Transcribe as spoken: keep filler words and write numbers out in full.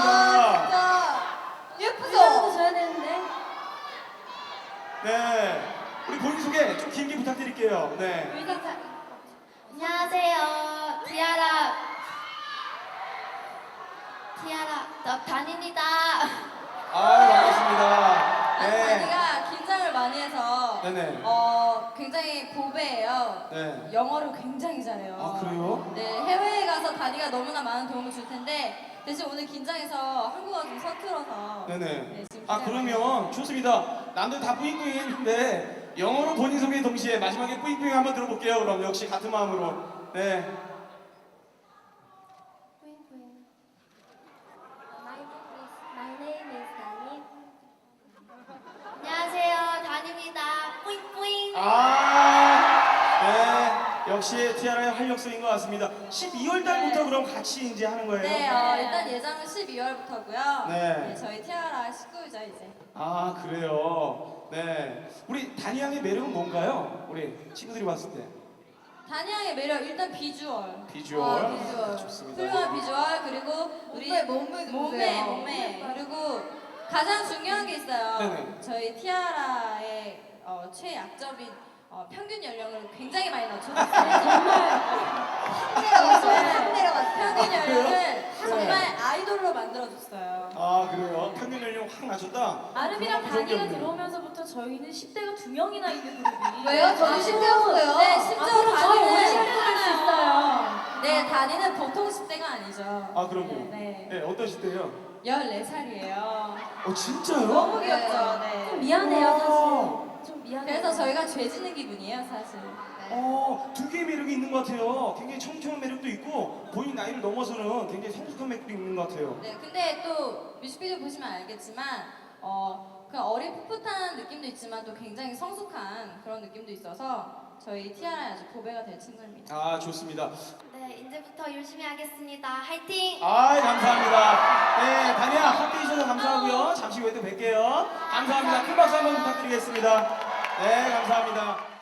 감사합니다. 진짜 예쁘죠? 인사도 줘야 되는데. 네, 우리 본인 소개 좀 길게 부탁드릴게요. 네. 안녕하세요. 티아라. 티아라 너 단입니다. 아, 반갑습니다. 아니, 네. 다니가 긴장을 많이 해서 네네. 어 굉장히 고배예요. 네. 영어를 굉장히 잘해요. 아, 그래요? 네, 해외에 가서 다니가 너무나 많은 도움을 줄 텐데 대신 오늘 긴장해서 한국어가 좀 서툴어서 네네. 네, 지금 아, 긴장을 그러면 좋습니다. 남들 다 뿌잉뿌잉 했는데 영어로 본인 소개 동시에 마지막에 뿌잉뿌잉 한번 들어볼게요. 그럼 역시 같은 마음으로. 네. My name is 다니. 안녕하세요. 다니입니다. 뿌잉뿌잉. 아, 네. 역시 티아라의 활력소인 것 같습니다. 십이월 달부터 네. 그럼 같이 이제 하는 거예요? 네, 어, 일단 예정은 십이월부터고요. 네. 저희 티아라 식구이죠 이제. 아, 그래요. 네. 우리 다니 양의 매력은 뭔가요? 우리 친구들이 봤을 때. 다니 양의 매력 일단 비주얼. 비주얼. 아, 비주얼. 좋습니다. 훌륭한 비주얼 그리고 우리 몸매, 몸매 좀 몸매 보세요. 몸매 그리고 가장 중요한 게 있어요. 네네. 저희 티아라의 어, 최약점인 어, 평균 연령을 굉장히 많이 낮춰줬어요. 정말 확 내려갔어요. 확 내려갔어요. 평균 연령을 정말 아이돌로 만들어줬어요. 아, 그래요? 평균 연령 확 낮췄다? 아름이랑 그런 다니가 적이 없네요. 들어오면서부터 저희는 십 대가 두 명이나 있는 그룹이. 왜요? 저도 십 대였어요. 네, 심지어 앞으로 저희 오래 다니는 실행할 수 있어요. 네, 다니는 보통 십 대가 아니죠. 아, 그럼요. 네. 네, 어떤 시대예요? 열네 살이에요. 어, 진짜요? 너무 귀엽죠. 네. 좀 미안해요, 우와. 사실. 좀 미안해요. 그래서 저희가 죄 지는 기분이에요, 사실. 어, 두 개의 매력이 있는 것 같아요. 굉장히 청초한 매력도 있고 본인 나이를 넘어서는 굉장히 성숙한 매력도 있는 것 같아요. 네, 근데 또 뮤직비디오 보시면 알겠지만 어, 그 어린 풋풋한 느낌도 있지만 또 굉장히 성숙한 그런 느낌도 있어서 저희 티아라의 아주 보배가 될 친구입니다. 아, 좋습니다. 네, 이제부터 열심히 하겠습니다. 화이팅! 아, 감사합니다. 네, 다니야 함께 해주셔서 감사하고요. 잠시 후에 또 뵐게요. 감사합니다. 큰 박수 한번 부탁드리겠습니다. 네, 감사합니다.